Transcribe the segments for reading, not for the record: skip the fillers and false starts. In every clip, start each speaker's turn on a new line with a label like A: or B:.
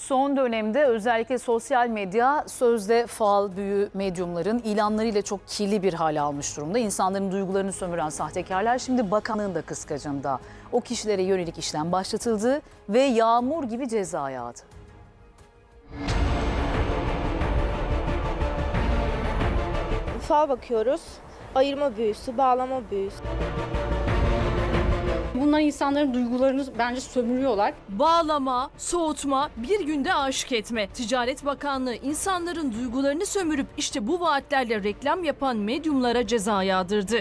A: Son dönemde özellikle sosyal medya sözde fal, büyü, medyumların ilanlarıyla çok kirli bir hale almış durumda. İnsanların duygularını sömüren sahtekarlar şimdi bakanlığın da kıskacında. O kişilere yönelik işlem başlatıldı ve yağmur gibi ceza yağdı.
B: Fal bakıyoruz, ayırma büyüsü, bağlama büyüsü.
C: Bunlar insanların duygularını bence sömürüyorlar.
D: Bağlama, soğutma, bir günde aşık etme. Ticaret Bakanlığı insanların duygularını sömürüp işte bu vaatlerle reklam yapan medyumlara ceza yağdırdı.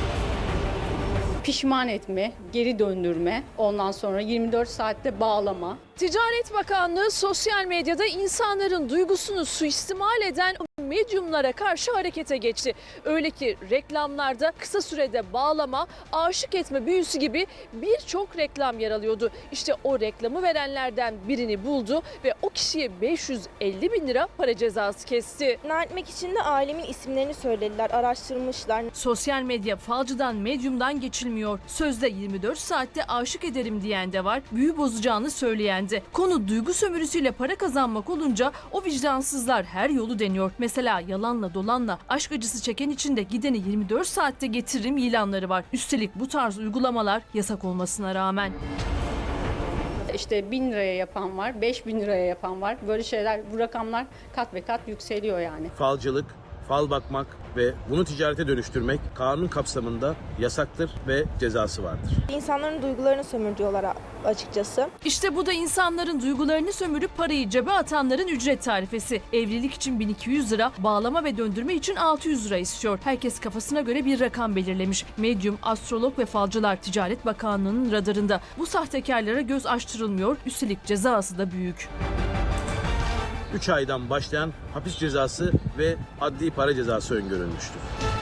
C: Pişman etme, geri döndürme, ondan sonra 24 saatte bağlama.
D: Ticaret Bakanlığı sosyal medyada insanların duygusunu suistimal eden medyumlara karşı harekete geçti. Öyle ki reklamlarda kısa sürede bağlama, aşık etme büyüsü gibi birçok reklam yer alıyordu. İşte o reklamı verenlerden birini buldu ve o kişiye 550 bin lira para cezası kesti.
B: İkna etmek için de ailemin isimlerini söylediler, araştırmışlar.
D: Sosyal medya falcıdan, medyumdan geçilmiyor. Sözde 24 saatte aşık ederim diyen de var, büyü bozacağını söyleyen de. Konu duygu sömürüsüyle para kazanmak olunca o vicdansızlar her yolu deniyor. Mesela yalanla dolanla aşk acısı çeken için de gideni 24 saatte getiririm ilanları var. Üstelik bu tarz uygulamalar yasak olmasına rağmen.
C: İşte 1000 liraya yapan var, 5000 liraya yapan var. Böyle şeyler, bu rakamlar kat ve kat yükseliyor yani.
E: Falcılık, fal bakmak ve bunu ticarete dönüştürmek kanun kapsamında yasaktır ve cezası vardır.
B: İnsanların duygularını sömürüyorlar açıkçası.
D: İşte bu da insanların duygularını sömürüp parayı cebe atanların ücret tarifesi. Evlilik için 1200 lira, bağlama ve döndürme için 600 lira istiyor. Herkes kafasına göre bir rakam belirlemiş. Medyum, astrolog ve falcılar Ticaret Bakanlığı'nın radarında. Bu sahtekarlara göz açtırılmıyor, üstelik cezası da büyük.
E: 3 aydan başlayan hapis cezası ve adli para cezası öngörülmüştür.